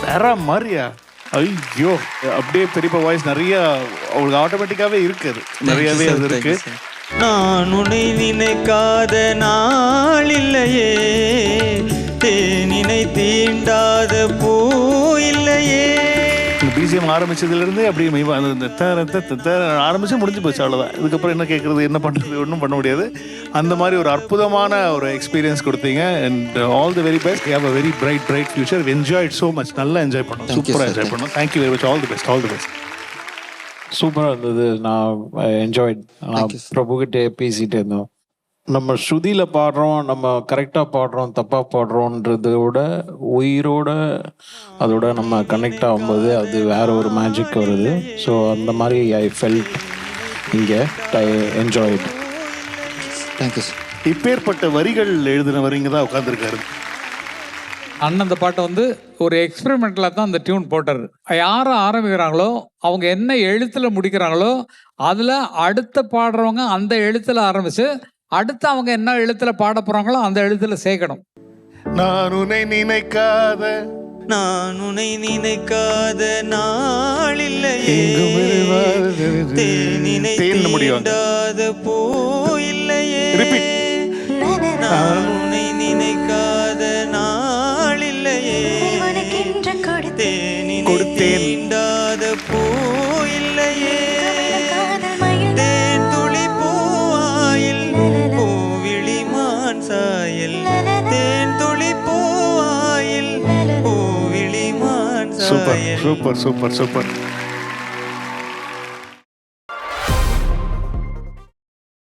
வேற மாதிரியா? ஐயோ, அப்படியே பெரியப்பா வாய்ஸ் நிறைய அவங்களுக்கு ஆட்டோமேட்டிக்காவே இருக்கு. அது நிறையவே அது இருக்கு. நான் உன்னை நினைக்காத நாள் இல்லையே, தேனினை தீண்டாத பூ இல்லையே. பிஜிஎம் ஆரம்பிச்சதுலேருந்து அப்படியே ஆரம்பிச்சு முடிஞ்சு போச்சு, அவ்வளோதான். இதுக்கப்புறம் என்ன கேட்குறது, என்ன பண்ணுறது, ஒன்றும் பண்ண முடியாது. அந்த மாதிரி ஒரு அற்புதமான ஒரு எக்ஸ்பீரியன்ஸ் கொடுத்தீங்க. And all the very best. You have a very bright future. Enjoy it so much. நல்லா என்ஜாய் பண்ணோம், சூப்பராக என்ஜாய் பண்ணோம். Thank you very much. All the best, all the best. சூப்பராக இருந்தது. நான் என்ஜாய். நான் பிரபுகிட்டே பேசிகிட்டே இருந்தோம். நம்ம ஸ்ருதியில் பாடுறோம், நம்ம கரெக்டாக பாடுறோம், தப்பாக பாடுறோன்றத விட உயிரோட அதோட நம்ம கனெக்ட் ஆகும்போது அது வேற ஒரு மேஜிக் வருது. ஸோ அந்த மாதிரி ஐ ஃபெல்ட் இங்கே. I enjoyed. தேங்க்யூ. இப்பேற்பட்ட வரிகள் எழுதினவர் இங்கே தான் உட்காந்துருக்காரு. அண்ணன் அந்த பாட்டை வந்து ஒரு எக்ஸ்பெரிமெண்டலாக தான் அந்த டியூன் போட்டார். யார் ஆரம்பிக்கிறாங்களோ அவங்க என்ன எழுத்தில் முடிக்கிறாங்களோ அதில் அடுத்த பாடுறவங்க அந்த எழுத்தில் ஆரம்பித்து அடுத்து அவங்க என்ன எழுத்தில் பாட போகிறாங்களோ அந்த எழுத்தில் சேர்க்கணும். நான் உன்னை நினைக்காத, நான் உன்னை நினைக்காத நாள் இல்லையே, தேனினை தீண்டாத பூ இல்லையே. நான் உன்னை நினைக்காத நாள் இல்லையே, தேனினை தீண்டாத பூ இல்லையே. தேன் துளி பூவாயில் பூவிழிமான் சாயல், தேன் துளி பூவாயில் பூவிழிமான் சூப்பர் சாயல். Super super super.